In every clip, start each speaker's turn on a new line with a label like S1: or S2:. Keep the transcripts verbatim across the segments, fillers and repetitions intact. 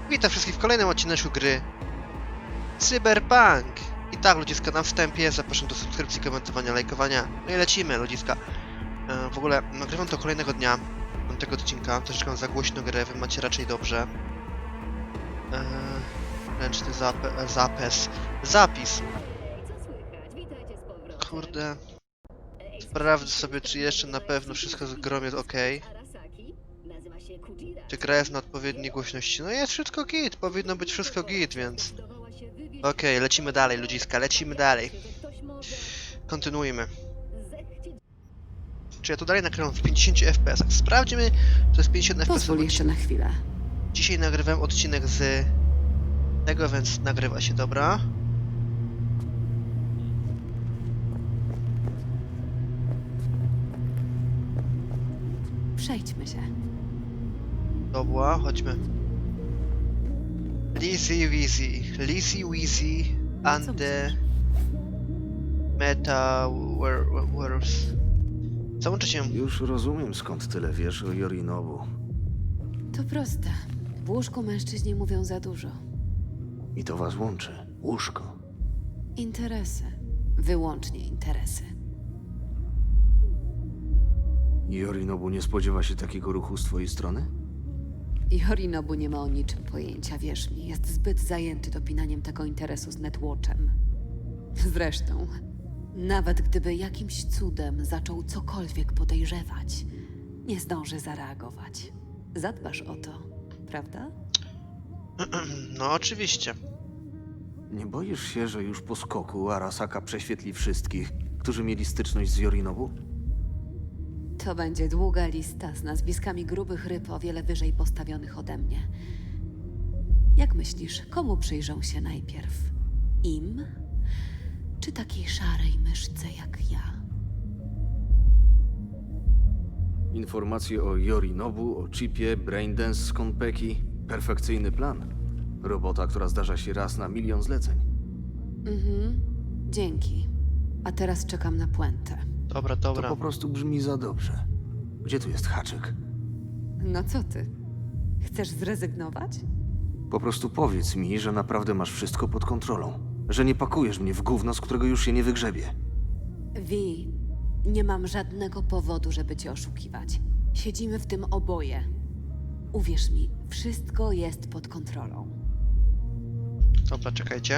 S1: Witam wszystkich w kolejnym odcinku gry Cyberpunk. I tak, ludziska, na wstępie zapraszam do subskrypcji, komentowania, lajkowania. No i lecimy, ludziska. E, w ogóle nagrywam to kolejnego dnia, tego odcinka. Troszeczkę mam za głośno grę, wy macie raczej dobrze. E, ręczny zap zapis. Zapis. Kurde. Sprawdzę sobie, czy jeszcze na pewno wszystko z grom jest ok. Czy gra jest na odpowiedniej głośności? No jest wszystko git, powinno być wszystko git, więc... Okej, okay, lecimy dalej, ludziska, lecimy dalej. Kontynuujmy. Czy ja tu dalej nagrywam w pięćdziesięciu F P S-ach? Sprawdźmy, to jest pięćdziesiąt F P S.
S2: Pozwól jeszcze na chwilę.
S1: Dzisiaj nagrywam odcinek z tego, więc nagrywa się, dobra.
S2: Przejdźmy się.
S1: Dobra, chodźmy. Lizzy Weezy, Lizzy Weezy and
S2: co
S1: the
S2: myślisz?
S1: Meta Wars. Załączę się.
S3: Już rozumiem, skąd tyle wiesz o Yorinobu.
S2: To proste. W łóżku mężczyźni mówią za dużo.
S3: I to was łączy. Łóżko.
S2: Interesy. Wyłącznie interesy.
S3: Yorinobu nie spodziewa się takiego ruchu z twojej strony?
S2: Yorinobu nie ma o niczym pojęcia, wierz mi. Jest zbyt zajęty dopinaniem tego interesu z Netwatchem. Zresztą, nawet gdyby jakimś cudem zaczął cokolwiek podejrzewać, nie zdąży zareagować. Zadbasz o to, prawda?
S1: No oczywiście.
S3: Nie boisz się, że już po skoku Arasaka prześwietli wszystkich, którzy mieli styczność z Yorinobu?
S2: To będzie długa lista z nazwiskami grubych ryb o wiele wyżej postawionych ode mnie. Jak myślisz, komu przyjrzą się najpierw? Im? Czy takiej szarej myszce jak ja?
S3: Informacje o Yorinobu, o chipie, braindance z Konpeki. Perfekcyjny plan. Robota, która zdarza się raz na milion zleceń.
S2: Mhm, dzięki. A teraz czekam na puentę.
S1: Dobra,
S3: To
S1: dobra.
S3: po prostu brzmi za dobrze. Gdzie tu jest haczyk?
S2: No co ty? Chcesz zrezygnować?
S3: Po prostu powiedz mi, że naprawdę masz wszystko pod kontrolą. Że nie pakujesz mnie w gówno, z którego już się nie wygrzebie.
S2: Wi, nie mam żadnego powodu, żeby cię oszukiwać. Siedzimy w tym oboje. Uwierz mi, wszystko jest pod kontrolą.
S1: Dobra, czekajcie.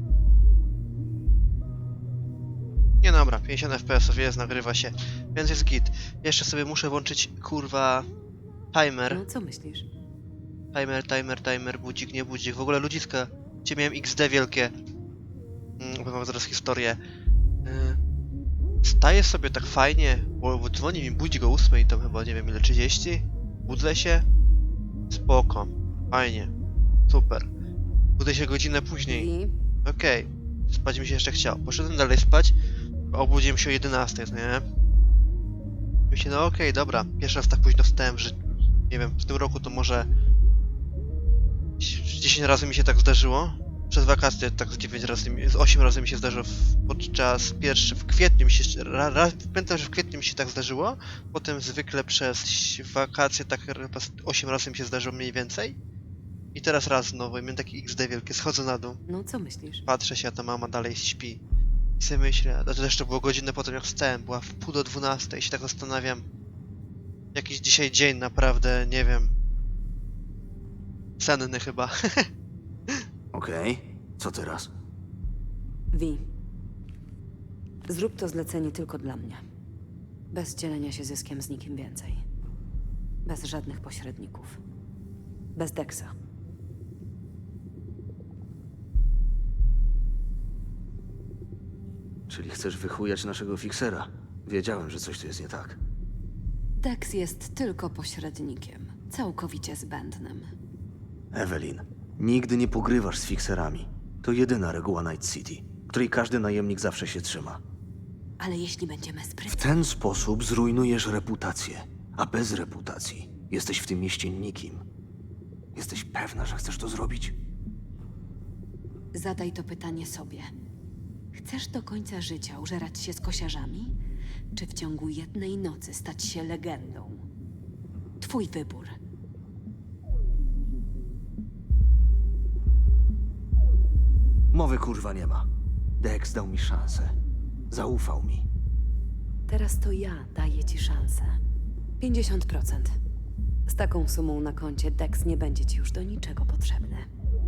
S1: Nie dobra, pięćdziesiąt F P S-ów jest, nagrywa się, więc jest git. Jeszcze sobie muszę włączyć, kurwa, timer.
S2: No co myślisz?
S1: Timer, timer, timer, budzik, nie budzik. W ogóle ludziska, gdzie miałem X D wielkie. Mm, opowiem wam zaraz historię. Yy, staję sobie tak fajnie, bo, bo dzwoni mi budzik o ósmej, to chyba, nie wiem ile, trzydzieści. Budzę się. Spoko. Fajnie. Super. Budzę się godzinę później.
S2: Wi,
S1: Okej. Spać mi się jeszcze chciał. Poszedłem dalej spać. Obudziłem się o jedenastej, no nie? Myślę, no okej, dobra. Pierwszy raz tak późno wstałem, że nie wiem, w tym roku to może dziesięć razy mi się tak zdarzyło. Przez wakacje tak z dziewięć razy, mi- z osiem razy mi się zdarzyło w, podczas pierwszy, w kwietniu mi się, ra, ra, pamiętam, że w kwietniu mi się tak zdarzyło. Potem zwykle przez wakacje tak chyba z osiem razy mi się zdarzyło mniej więcej. I teraz raz znowu, i miałem taki X D wielkie, schodzę na dół.
S2: no co myślisz?
S1: Patrzę się, a ta mama dalej śpi. I sobie myślę, a to jeszcze było godzinę potem jak wstałem, była w pół do dwunastej i się tak zastanawiam. Jakiś dzisiaj dzień naprawdę, nie wiem. Senny chyba.
S3: Okej, co teraz?
S2: Wi, zrób to zlecenie tylko dla mnie. Bez dzielenia się zyskiem z nikim więcej. Bez żadnych pośredników. Bez Dexa.
S3: Czyli chcesz wychujać naszego fiksera? Wiedziałem, że coś tu jest nie tak.
S2: Dex jest tylko pośrednikiem. Całkowicie zbędnym.
S3: Evelyn, nigdy nie pogrywasz z fikserami. To jedyna reguła Night City, której każdy najemnik zawsze się trzyma.
S2: Ale jeśli będziemy
S3: W
S2: sprytni...
S3: ten sposób zrujnujesz reputację, a bez reputacji jesteś w tym mieście nikim. Jesteś pewna, że chcesz to zrobić?
S2: Zadaj to pytanie sobie. Chcesz do końca życia użerać się z kosiarzami? Czy w ciągu jednej nocy stać się legendą? Twój wybór.
S3: Mowy kurwa nie ma. Dex dał mi szansę. Zaufał mi.
S2: Teraz to ja daję ci szansę. pięćdziesiąt procent. Z taką sumą na koncie Dex nie będzie ci już do niczego potrzebny.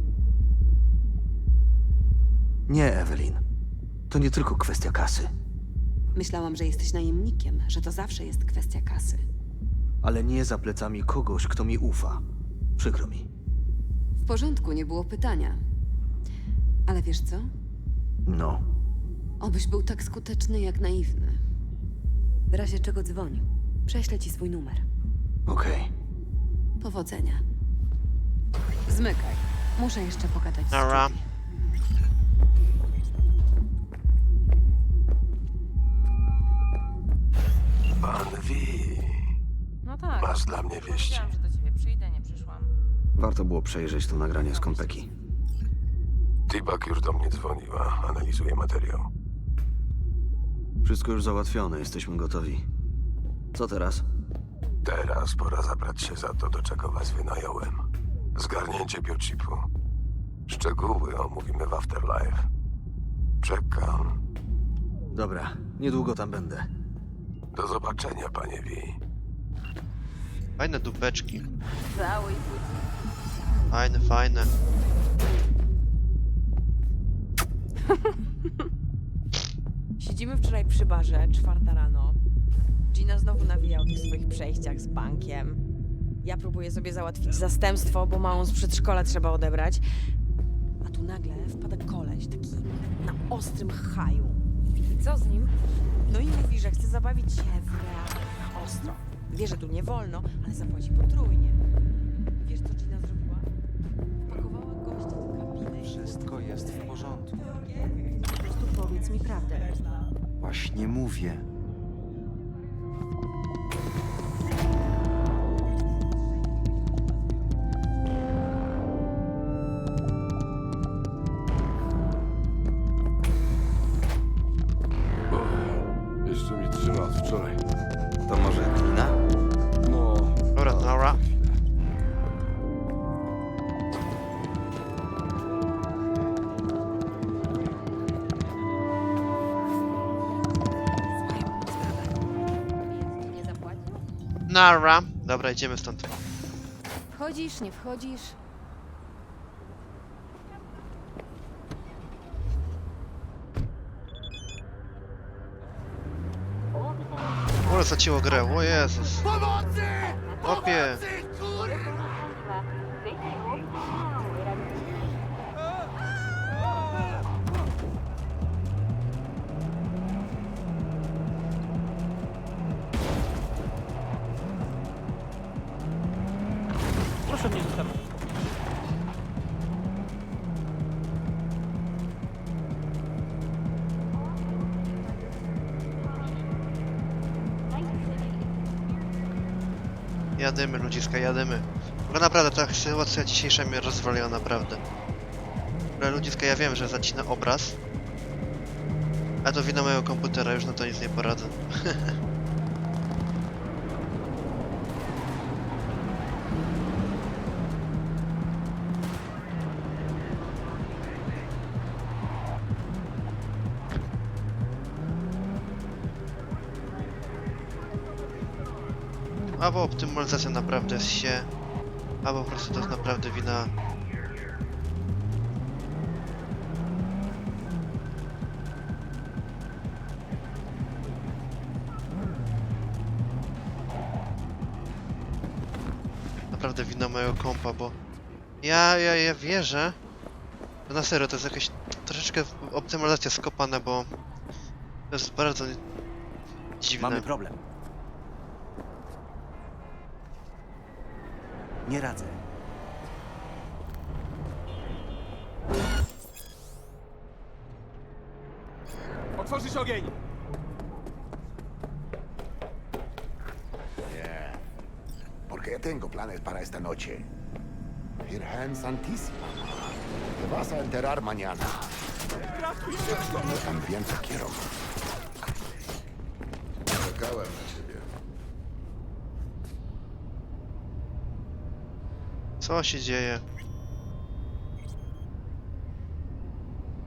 S3: Nie, Evelyn. To nie tylko kwestia kasy.
S2: Myślałam, że jesteś najemnikiem, że to zawsze jest kwestia kasy.
S3: Ale nie za plecami kogoś, kto mi ufa. Przykro mi.
S2: W porządku, nie było pytania. Ale wiesz co?
S3: No.
S2: Obyś był tak skuteczny jak naiwny. W razie czego dzwoń. Prześlę ci swój numer.
S3: Okej.
S2: Powodzenia. Zmykaj. Muszę jeszcze pogadać z
S1: Dobra.
S2: Judy.
S4: Pan Wi,
S5: No tak.
S4: masz dla mnie wieści.
S5: Powiedziałam, że do ciebie przyjdę, nie przyszłam.
S3: Warto było przejrzeć to nagranie z Konpeki.
S4: Tibak już do mnie dzwoniła, analizuje materiał.
S3: Wszystko już załatwione, jesteśmy gotowi. Co teraz?
S4: Teraz pora zabrać się za to, do czego was wynająłem. Zgarnięcie biochipu. Szczegóły omówimy w Afterlife. Czekam.
S3: Dobra, niedługo tam będę.
S4: Do zobaczenia, panie Wi.
S1: Fajne dupeczki.
S5: Cały budzi.
S1: Fajne, fajne.
S5: Siedzimy wczoraj przy barze, czwarta rano. Gina znowu nawija o tych swoich przejściach z bankiem. Ja próbuję sobie załatwić zastępstwo, bo małą z przedszkola trzeba odebrać. A tu nagle wpada koleś, taki na ostrym haju. I co z nim? No i mówi, że chce zabawić się w realu na ostro. Wie, że tu nie wolno, ale zapłaci potrójnie. Wiesz, co Gina zrobiła? Wpakowała gościa do kabiny.
S6: Wszystko jest w porządku.
S5: Po prostu powiedz mi prawdę.
S6: Właśnie mówię.
S4: Jeszcze mi trzyma od wczoraj.
S6: To może glina?
S4: No.
S1: Dobra, dobra.
S5: Nie zapłacił?
S1: Nara. Dobra, idziemy stąd.
S5: Wchodzisz, nie wchodzisz?
S1: Ale zacięło grę, o Jezus. Opie.
S7: Proszę mnie zostawić.
S1: Jadymy, ludziska, jadymy. Bo naprawdę ta sytuacja dzisiejsza mnie rozwaliła, naprawdę. Ale ludziska, ja wiem, że zacina obraz. Ale to wina mojego komputera, już na to nic nie poradzę. Albo optymalizacja naprawdę jest się, albo po prostu to jest naprawdę wina. Naprawdę wina mojego kompa, bo ja, ja, ja wierzę, że na serio to jest jakaś troszeczkę optymalizacja skopana, bo to jest bardzo dziwne.
S6: Mamy problem. Nie radzę.
S7: Otworzyć ogień!
S8: Yeah. Porque tengo planes para esta noche. Virgen Santísima. Te vas a enterar mañana. Yo también te quiero. Czekałem na ciebie.
S1: Co się dzieje?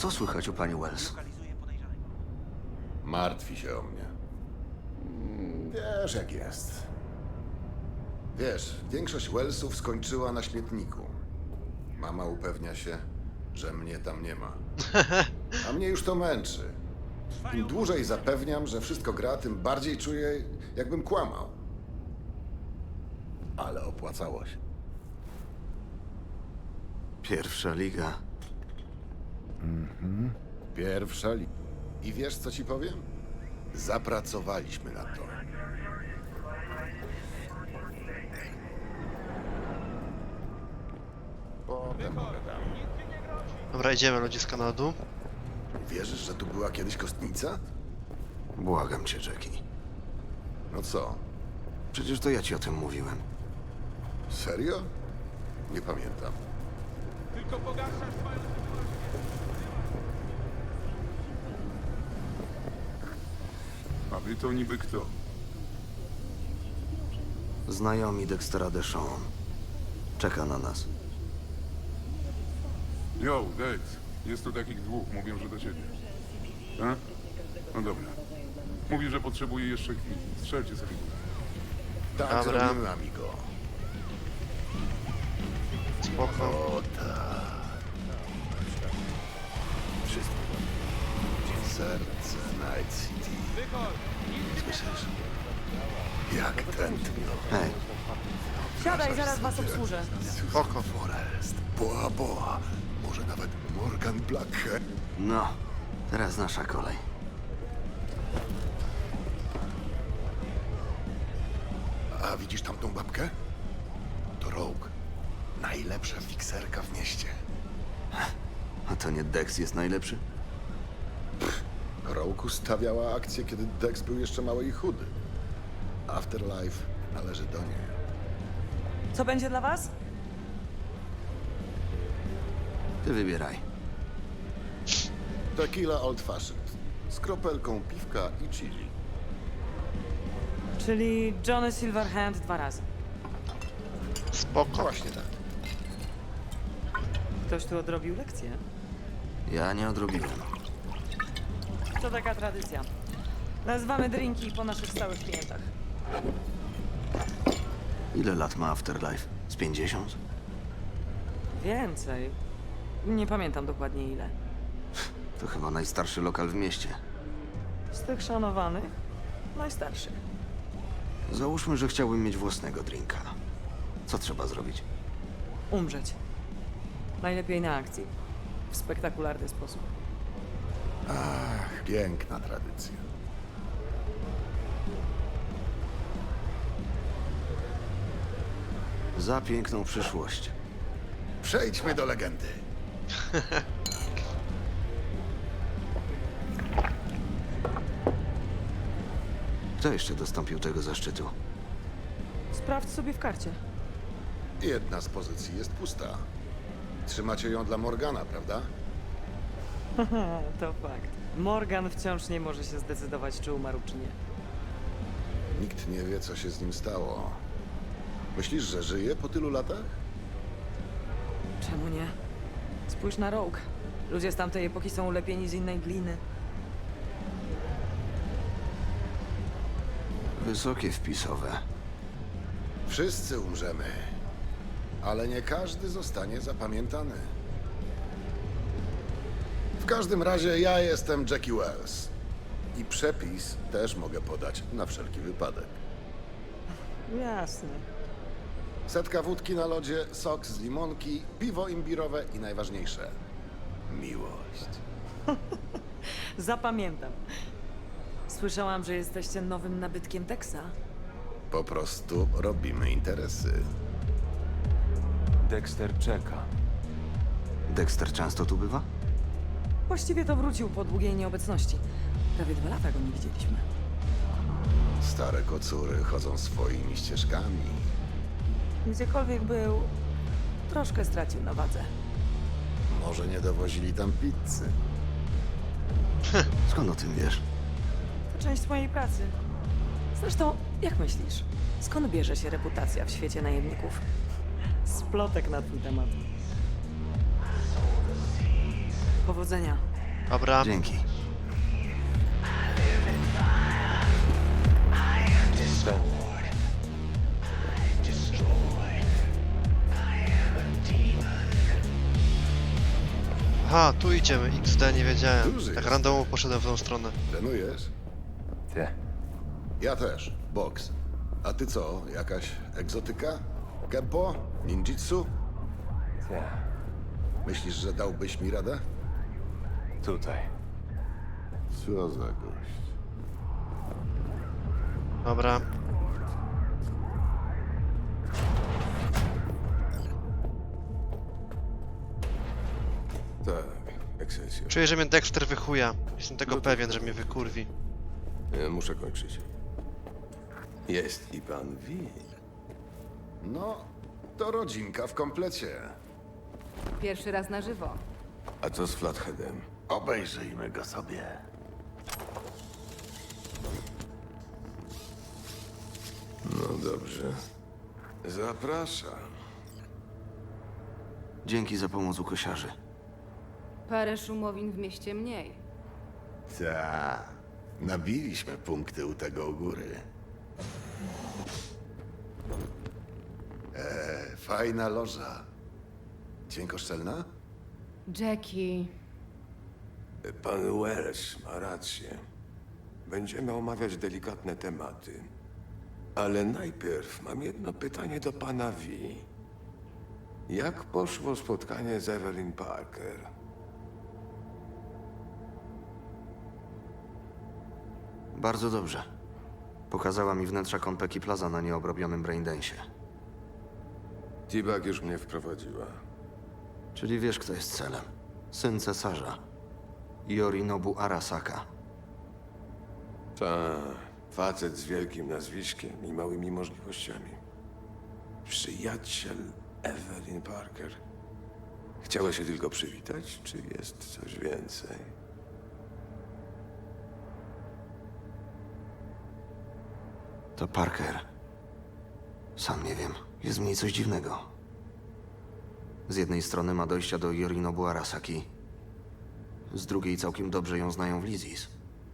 S3: co słychać u pani Wells?
S8: Martwi się o mnie. Wiesz, jak jest. Wiesz, większość Wellsów skończyła na śmietniku. Mama upewnia się, że mnie tam nie ma. A mnie już to męczy. Im dłużej zapewniam, że wszystko gra, tym bardziej czuję, jakbym kłamał. Ale opłacało się.
S3: Pierwsza liga.
S8: Pierwsza li... I wiesz, co ci powiem? Zapracowaliśmy na to. Potem pogadam.
S1: Dobra, idziemy ludziska na dół.
S8: Wierzysz, że tu była kiedyś kostnica?
S3: Błagam cię, Jackie.
S8: No co?
S3: Przecież to ja ci o tym mówiłem.
S8: Serio? Nie pamiętam.
S7: Tylko pogarszasz swoją
S9: A wy to niby kto?
S3: Znajomi Dextera Deshawn. Czeka na nas.
S9: Yo, Dex. Jest tu takich dwóch. Mówią, że do ciebie. A? No dobra. Mówi, że potrzebuje jeszcze chwili. Strzelcie sobie.
S8: Tak
S1: Dobra.
S8: zrobimy, amigo.
S1: Spoko.
S8: O tak. Wszystko. Serce Night City. Słyszysz? Jak tętno.
S3: Hej,
S5: Siadaj, zaraz was obsłużę.
S1: Spoko.
S8: Forest. Boa Boa. Może nawet Morgan Blackhead.
S3: no, teraz nasza kolej.
S8: A widzisz tamtą babkę? To Rogue. Najlepsza fikserka w mieście.
S3: A to nie Dex jest najlepszy?
S8: Rogue ustawiała akcję, kiedy Dex był jeszcze mały i chudy. Afterlife należy do niej.
S5: Co będzie dla was?
S3: Ty wybieraj.
S8: Tequila Old Fashioned. Z kropelką piwka i chili.
S5: Czyli Johnny Silverhand dwa razy.
S1: Spoko.
S8: Właśnie tak.
S5: Ktoś tu odrobił lekcję.
S3: Ja nie odrobiłem.
S5: To taka tradycja. Nazywamy drinki po naszych stałych klientach.
S3: Ile lat ma Afterlife? Z pięćdziesiąt?
S5: Więcej. Nie pamiętam dokładnie ile.
S3: To chyba najstarszy lokal w mieście.
S5: Z tych szanowanych, najstarszych.
S3: Załóżmy, że chciałbym mieć własnego drinka. Co trzeba zrobić?
S5: Umrzeć. Najlepiej na akcji. W spektakularny sposób.
S8: Ach, piękna tradycja.
S3: Za piękną przyszłość.
S8: Przejdźmy do legendy.
S3: Kto jeszcze dostąpił tego zaszczytu?
S5: Sprawdź sobie w karcie.
S8: Jedna z pozycji jest pusta. Trzymacie ją dla Morgana, prawda?
S5: To fakt. Morgan wciąż nie może się zdecydować, czy umarł, czy nie.
S8: Nikt nie wie, co się z nim stało. Myślisz, że żyje po tylu latach?
S5: Czemu nie? Spójrz na Rogue. Ludzie z tamtej epoki są ulepieni z innej gliny.
S3: Wysokie wpisowe.
S8: Wszyscy umrzemy, ale nie każdy zostanie zapamiętany. W każdym razie ja jestem Jackie Wells. I przepis też mogę podać na wszelki wypadek.
S5: Jasne.
S8: Setka wódki na lodzie, sok z limonki, piwo imbirowe i najważniejsze miłość.
S5: Zapamiętam. Słyszałam, że jesteście nowym nabytkiem Texa.
S8: Po prostu robimy interesy.
S6: Dexter czeka.
S3: Dexter często tu bywa?
S5: Właściwie to wrócił po długiej nieobecności. Prawie dwa lata go nie widzieliśmy.
S8: Stare kocury chodzą swoimi ścieżkami.
S5: Gdziekolwiek był, troszkę stracił na wadze.
S8: Może nie dowozili tam pizzy.
S3: Skąd o tym wiesz?
S5: To część mojej pracy. Zresztą, jak myślisz, skąd bierze się reputacja w świecie najemników? Z plotek na twój temat. Powodzenia.
S1: Dobra.
S3: Dzięki.
S1: Aha, tu idziemy. X D, nie wiedziałem.
S8: Duży
S1: Tak
S8: jest.
S1: randomowo poszedłem w tą stronę.
S8: Trenujesz?
S6: Ty.
S8: Ja też. Boks. A ty co? Jakaś egzotyka? Kempo? Ninjitsu?
S6: Ty.
S8: Myślisz, że dałbyś mi radę?
S6: Tutaj.
S8: Co za gość.
S1: Dobra.
S4: Tak, Excelsior.
S1: Czuję, że mnie Dexter wychuja. Jestem tego
S4: No to-
S1: pewien, że mnie wykurwi.
S4: E, Muszę kończyć. Jest i pan Wi.
S8: No, to rodzinka w komplecie.
S2: Pierwszy raz na żywo.
S4: A co z Flatheadem?
S8: Obejrzyjmy go sobie.
S4: No dobrze. Zapraszam.
S3: Dzięki za pomoc u kosiarzy.
S2: Parę szumowin w mieście mniej.
S8: Ta, nabiliśmy punkty u tego u góry. E, fajna loża. Dźwiękoszczelna?
S2: Jackie,
S4: Pan Wells ma rację. Będziemy omawiać delikatne tematy. Ale najpierw mam jedno pytanie do pana Wi. Jak poszło spotkanie z Evelyn Parker?
S3: Bardzo dobrze. Pokazała mi wnętrza Konpeki Plaza na nieobrobionym braindensie.
S4: T-Bag już mnie wprowadziła.
S3: Czyli wiesz, kto jest celem. Syn cesarza. Yorinobu Arasaka.
S4: Ta, facet z wielkim nazwiskiem i małymi możliwościami. Przyjaciel Evelyn Parker. Chciała się tylko przywitać, czy jest coś więcej?
S3: To Parker. Sam nie wiem. Jest w niej coś dziwnego. Z jednej strony ma dojścia do Yorinobu Arasaki. Z drugiej całkiem dobrze ją znają w Lizis.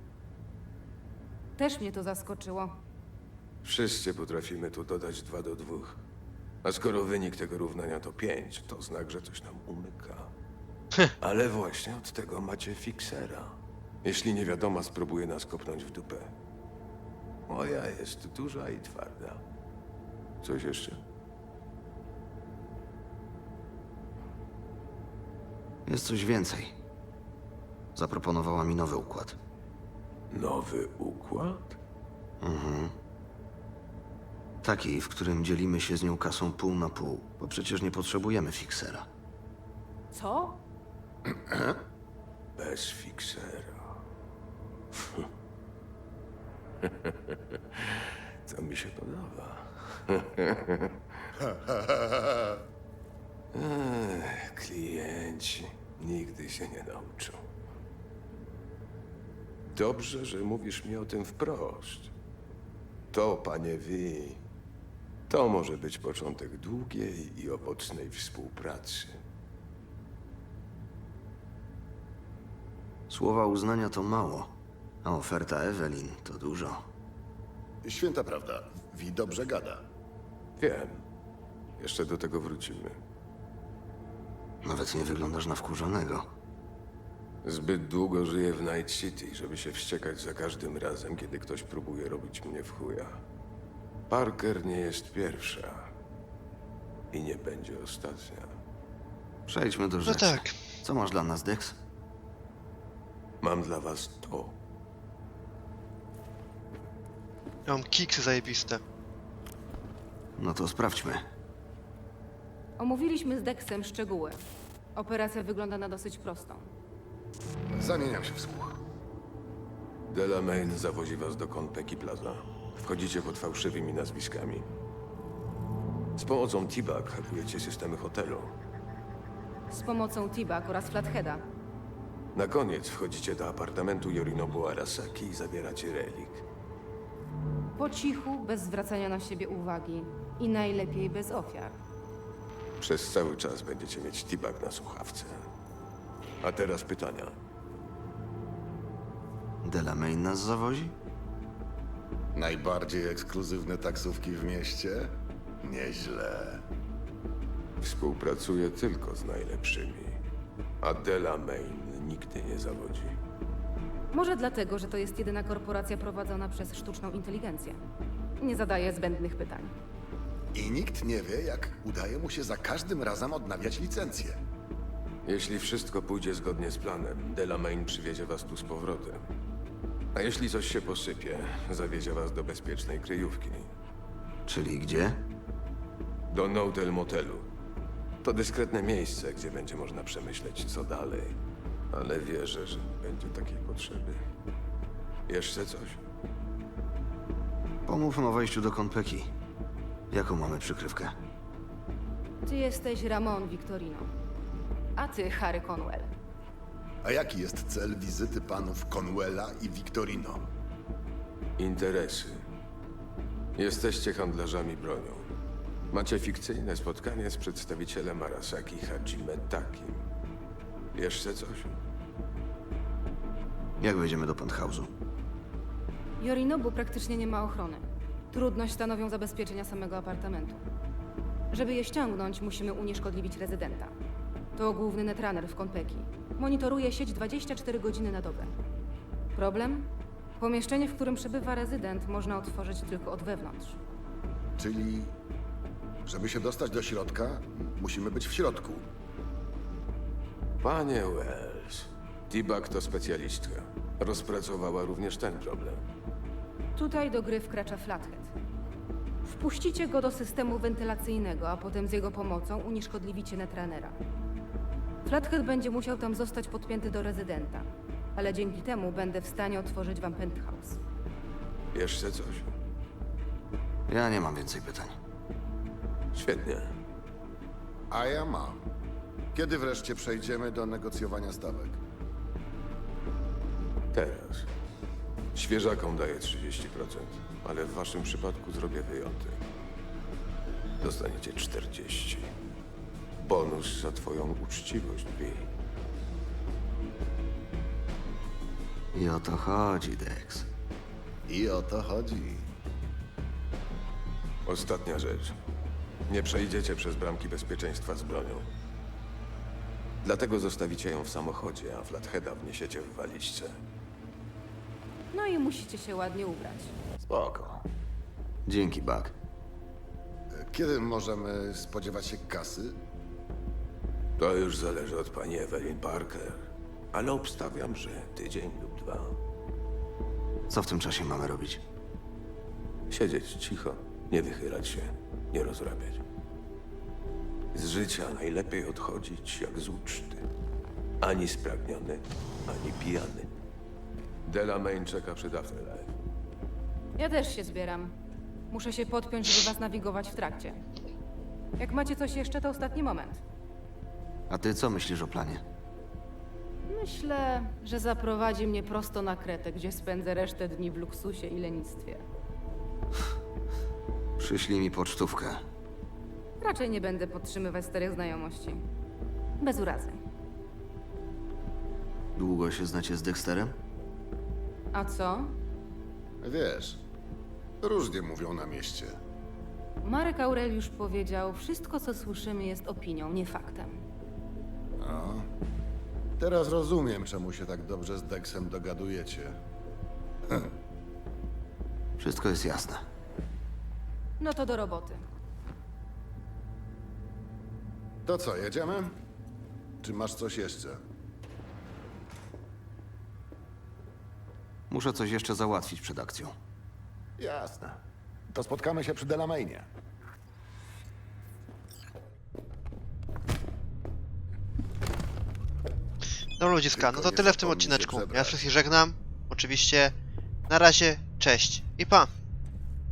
S2: też mnie to zaskoczyło.
S4: Wszyscy potrafimy tu dodać dwa do dwóch. A skoro wynik tego równania to pięć, to znak, że coś nam umyka. Ale właśnie od tego macie fiksera. Jeśli niewiadoma spróbuje nas kopnąć w dupę. Moja jest duża i twarda. Coś jeszcze?
S3: Jest coś więcej. Zaproponowała mi nowy układ.
S4: Nowy układ?
S3: Taki, w którym dzielimy się z nią kasą pół na pół, bo przecież nie potrzebujemy fiksera.
S2: Co?
S4: Bez fiksera. To mi się podoba. Ech, klienci nigdy się nie nauczą. Dobrze, że mówisz mi o tym wprost. To, panie Wi, to może być początek długiej i owocnej współpracy.
S3: Słowa uznania to mało, a oferta Evelyn to dużo.
S8: Święta prawda. Wi dobrze gada.
S4: Wiem. Jeszcze do tego wrócimy.
S3: Nawet nie wyglądasz na wkurzonego.
S4: Zbyt długo żyję w Night City, żeby się wściekać za każdym razem, kiedy ktoś próbuje robić mnie w chuja. Parker nie jest pierwsza. I nie będzie ostatnia.
S3: Przejdźmy do
S1: No
S3: rzeczy.
S1: tak.
S3: Co masz dla nas, Dex?
S4: Mam dla was to.
S1: Ja mam kiksy zajebiste.
S3: No to sprawdźmy.
S2: Omówiliśmy z Dexem szczegóły. Operacja wygląda na dosyć prostą.
S8: Zamieniam się w słuch.
S4: Delamain zawozi was do Konpeki Plaza. Wchodzicie pod fałszywymi nazwiskami. Z pomocą T-Bag hakujecie systemy hotelu.
S2: Z pomocą T-Bag oraz Flatheada.
S4: Na koniec wchodzicie do apartamentu Yorinobu Arasaki i zabieracie relik.
S2: Po cichu, bez zwracania na siebie uwagi. I najlepiej bez ofiar.
S4: Przez cały czas będziecie mieć T-Bag na słuchawce. A teraz pytania.
S3: Delamain nas zawozi?
S8: Najbardziej ekskluzywne taksówki w mieście? Nieźle.
S4: Współpracuje tylko z najlepszymi. A Delamain nigdy nie zawodzi.
S10: Może dlatego, że to jest jedyna korporacja prowadzona przez sztuczną inteligencję. Nie zadaje zbędnych pytań.
S8: I nikt nie wie, jak udaje mu się za każdym razem odnawiać licencję.
S4: Jeśli wszystko pójdzie zgodnie z planem, Delamain przywiezie was tu z powrotem. A jeśli coś się posypie, zawiezie was do bezpiecznej kryjówki.
S3: Czyli gdzie?
S4: Do Notel Motelu. To dyskretne miejsce, gdzie będzie można przemyśleć, co dalej. Ale wierzę, że nie będzie takiej potrzeby. Jeszcze coś?
S3: Pomówmy o wejściu do Konpeki. Jaką mamy przykrywkę?
S10: Ty jesteś Ramon Victorino, a ty Harry Conwell.
S8: A jaki jest cel wizyty panów Conwella i Victorino?
S4: Interesy. Jesteście handlarzami bronią. Macie fikcyjne spotkanie z przedstawicielem Arasaki Hajime Takim. Jeszcze coś?
S3: Jak wejdziemy do penthouse'u?
S10: Yorinobu praktycznie nie ma ochrony. Trudność stanowią zabezpieczenia samego apartamentu. Żeby je ściągnąć, musimy unieszkodliwić rezydenta. To główny netrunner w Konpeki. Monitoruje sieć dwadzieścia cztery godziny na dobę. Problem? Pomieszczenie, w którym przebywa rezydent, można otworzyć tylko od wewnątrz.
S8: Czyli, żeby się dostać do środka, musimy być w środku.
S4: Panie Wells, T-Bag to specjalistka. Rozpracowała również ten problem.
S10: Tutaj do gry wkracza Flathead. Wpuścicie go do systemu wentylacyjnego, a potem z jego pomocą unieszkodliwicie netrunnera. Flathead będzie musiał tam zostać podpięty do rezydenta, ale dzięki temu będę w stanie otworzyć wam penthouse.
S4: Jeszcze coś?
S3: Ja nie mam więcej pytań.
S4: Świetnie.
S8: A ja mam. Kiedy wreszcie przejdziemy do negocjowania stawek?
S4: Teraz. Świeżakom daję trzydzieści procent, ale w waszym przypadku zrobię wyjątek. Dostaniecie czterdzieści procent. Bonus za twoją uczciwość, Wi.
S3: I o to chodzi, Dex.
S8: I o to chodzi.
S4: Ostatnia rzecz. Nie przejdziecie przez bramki bezpieczeństwa z bronią. Dlatego zostawicie ją w samochodzie, a Flatheada wniesiecie w walizce.
S10: No i musicie się ładnie ubrać.
S3: Spoko. Dzięki, Buck.
S8: Kiedy możemy spodziewać się kasy?
S4: To już zależy od pani Evelyn Parker, ale obstawiam, że tydzień lub dwa.
S3: Co w tym czasie mamy robić?
S4: Siedzieć cicho, nie wychylać się, nie rozrabiać. Z życia najlepiej odchodzić jak z uczty. Ani spragniony, ani pijany. Delamain czeka przed Afterlife.
S10: Ja też się zbieram. Muszę się podpiąć, żeby was nawigować w trakcie. Jak macie coś jeszcze, to ostatni moment.
S3: A ty co myślisz o planie?
S10: Myślę, że zaprowadzi mnie prosto na Kretę, gdzie spędzę resztę dni w luksusie i lenistwie.
S3: Przyślij mi pocztówkę.
S10: Raczej nie będę podtrzymywać starych znajomości. Bez urazy.
S3: Długo się znacie z Dexterem?
S10: A co?
S8: Wiesz, różnie mówią na mieście.
S10: Marek Aureliusz powiedział, wszystko co słyszymy jest opinią, nie faktem.
S8: No. Teraz rozumiem, czemu się tak dobrze z Dexem dogadujecie.
S3: Wszystko jest jasne.
S10: No to do roboty.
S8: To co, jedziemy? Czy masz coś jeszcze?
S3: Muszę coś jeszcze załatwić przed akcją.
S8: Jasne. To spotkamy się przy Delamainie.
S1: No ludziska, no
S8: Tylko
S1: to
S8: nie
S1: tyle w tym
S8: zapomnij się
S1: odcineczku. Ja
S8: przebrać.
S1: wszystkich żegnam. Oczywiście. Na razie, cześć i pa!